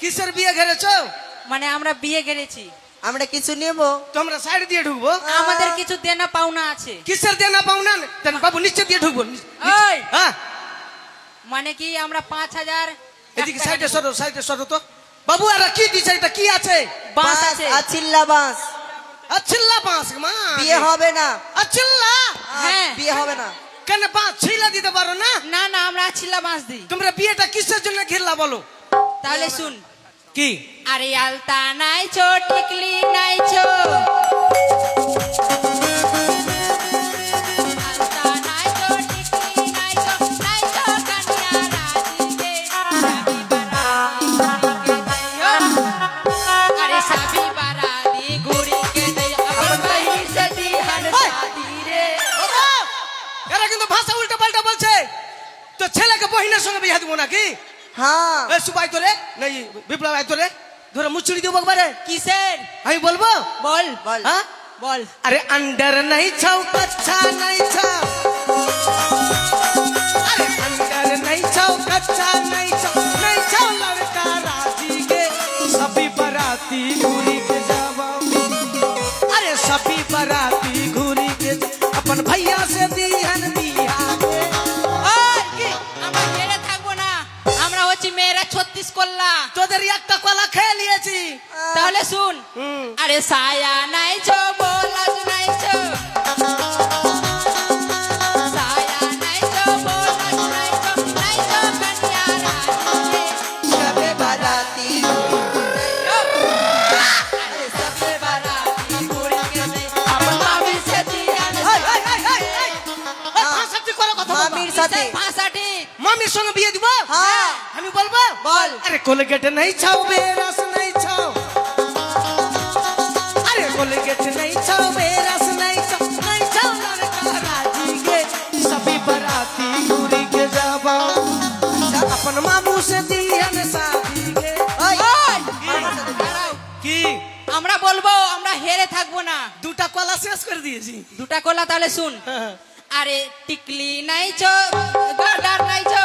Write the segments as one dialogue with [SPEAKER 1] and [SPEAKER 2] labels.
[SPEAKER 1] কিসের বিয়ে ঘেরেছো?
[SPEAKER 2] মানে আমরা বিয়ে গেড়েছি।
[SPEAKER 3] আমরা কিছু নেব,
[SPEAKER 1] তোমরা সাইড দিয়ে ঢুকবো?
[SPEAKER 2] আমাদের কিছু দেনা পাওনা আছে।
[SPEAKER 1] কিসের দেনা পাওনা? বাবু নিচে দিয়ে ঢুকবো।
[SPEAKER 2] ওই
[SPEAKER 1] হ্যাঁ,
[SPEAKER 2] মানে কি আমরা 5,000
[SPEAKER 1] এদিকে সাইডে সরো, সাইডে সরো তো। বাবু আর কি দিছে? এটা কি আছে?
[SPEAKER 2] বাস আছে।
[SPEAKER 3] আছিল্লা বাস।
[SPEAKER 1] আচ্ছিল্লা বাঁশ মা,
[SPEAKER 3] বিয়ে হবে না।
[SPEAKER 1] আচ্ছিল্লা
[SPEAKER 2] হ্যাঁ।
[SPEAKER 3] বিয়ে হবে না।
[SPEAKER 1] কেন বাঁশ ছিলা দিতে পারো না?
[SPEAKER 2] না না, আমরা ছিলা বাস দিই।
[SPEAKER 1] তোমরা বিয়েটা কিসের জন্য ঘিরলা বলো?
[SPEAKER 2] তাহলে শুন,
[SPEAKER 1] কি?
[SPEAKER 2] আরে আলতা নাইছো, টিকলি নাইছো, আলতা নাইছো, টিকলি নাইছো, নাইছো কানিয়া রাজিকে, সাবি বারাতি আরে সাবি বারাতি ঘুরিকে দে আমার ভাই সদি হর শাদি রে।
[SPEAKER 1] ওগো, এরা কিন্তু ভাষা উল্টা পাল্টা বলছে। তো ছেলেকে বহিনের সঙ্গে বিয়ে দেবো নাকি?
[SPEAKER 3] হ্যাঁ,
[SPEAKER 1] এ সুবাই তোরে নাই, বিপ্লব আয় তোরে ধরে মুচড়ি দেবো একবারে।
[SPEAKER 2] কিসের?
[SPEAKER 1] আমি বলবো?
[SPEAKER 2] বল
[SPEAKER 3] বল।
[SPEAKER 1] হ্যাঁ,
[SPEAKER 2] বল।
[SPEAKER 1] अरे अंडर नहीं छाओ, कच्चा नहीं छाओ। अरे अंडर नहीं छाओ, कच्चा नहीं छाओ, नहीं छाओ लड़का राजी के सभी बराती घूरी के जावा। अरे सभी बराती घूरी के अपन भैया से दिहन दिया के।
[SPEAKER 2] ওই, কি? আমরা মেরে থাকবো না, আমরা হচ্ছে মেয়েরা 36 করলা।
[SPEAKER 1] তোদের একটা কলা খেয়ে নিয়েছি।
[SPEAKER 2] তাহলে শুন, আরে সায়া নাইছো, বোলাজ নাইছো, সায়া নাইছো, বোলাজ নাইছো, নাইছো কানিয়া রাজিকে,
[SPEAKER 3] সবে বারাতি।
[SPEAKER 2] আরে সবে বারাতি ঘুরিকে দে আমার মামির সাথে
[SPEAKER 1] এই, এই, এই, এই, এই, এই, ভাষাটি করে কথা বলবা।
[SPEAKER 3] মামির সাথে।
[SPEAKER 2] ভাষাটি
[SPEAKER 1] মামির সঙ্গে বিয়ে দিব?
[SPEAKER 3] হ্যাঁ।
[SPEAKER 1] আমি বলবো?
[SPEAKER 3] বল।
[SPEAKER 1] अरे कोलगेट नहीं छाओ, बेरस नहीं छाओ। अरे कोलगेट नहीं छाओ, बेरस नहीं छाओ, नहीं छाओ लड़का राजी के सभी बराती घूरी के जावा। अपन मामू से दिहन शादी के।
[SPEAKER 3] ওই,
[SPEAKER 2] ওই,
[SPEAKER 3] মামার সাথে।
[SPEAKER 2] দাঁড়াও।
[SPEAKER 1] কি
[SPEAKER 2] আমরা বলবো আমরা হেরে থাকবো না।
[SPEAKER 1] দুটা কলা শেষ করে দিয়েছি।
[SPEAKER 2] দুটা কলা, তাহলে শুন, আরে টিকলি নাইছো, গাডার নাইছো,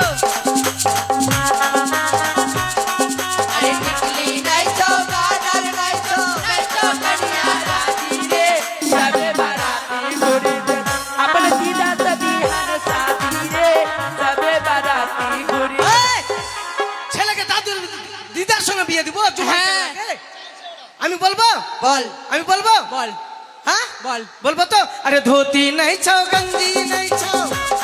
[SPEAKER 2] আরে টিকলি নাইছো, গাডার নাইছো, নাইছো কানিয়া রাজি রে, সবে বারাতি ঘুরি দে আপনে দিদা সদি হর শাদি রে, সবে বারাতি ঘুরি।
[SPEAKER 1] এই, ছেলেকে দাদুর দিদার সঙ্গে বিয়ে দিব?
[SPEAKER 2] হ্যাঁ।
[SPEAKER 1] আমি বলবো?
[SPEAKER 3] বল।
[SPEAKER 1] আমি বলবো?
[SPEAKER 2] বল
[SPEAKER 1] হ্যাঁ
[SPEAKER 2] বল।
[SPEAKER 1] বলবো তো। अरे धोती नहीं छाओ, गंजी नहीं छाओ।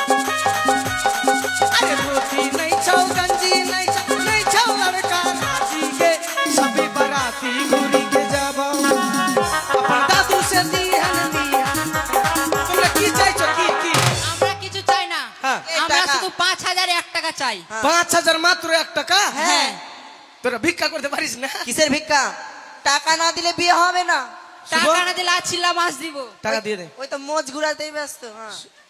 [SPEAKER 1] अरे धोती नहीं छाओ, गंजी नहीं छाओ, नहीं छाओ लड़का राजी के सभी बराती घूरी के जाबो। अपन दादू से दिहन दिया। তোমরা কি চাইছো? কি
[SPEAKER 2] আমরা কিছু চাই না,
[SPEAKER 1] হ্যাঁ।
[SPEAKER 2] আমরা
[SPEAKER 3] টাকা।
[SPEAKER 2] শুধু 5,001 টাকা চাই।
[SPEAKER 1] 5,000 মাত্র 1 টাকা?
[SPEAKER 2] হ্যাঁ।
[SPEAKER 1] তোরা ভিক্ষা করতে পারিস না?
[SPEAKER 3] কিসের ভিক্ষা? টাকা না দিলে বিয়ে হবে না।
[SPEAKER 2] টাকা না দিলে ছিলা মাছ দিব।
[SPEAKER 1] টাকা দিয়ে দে।
[SPEAKER 3] ওই তো মোজ ঘুরাতেই ব্যস্ত। হ্যাঁ।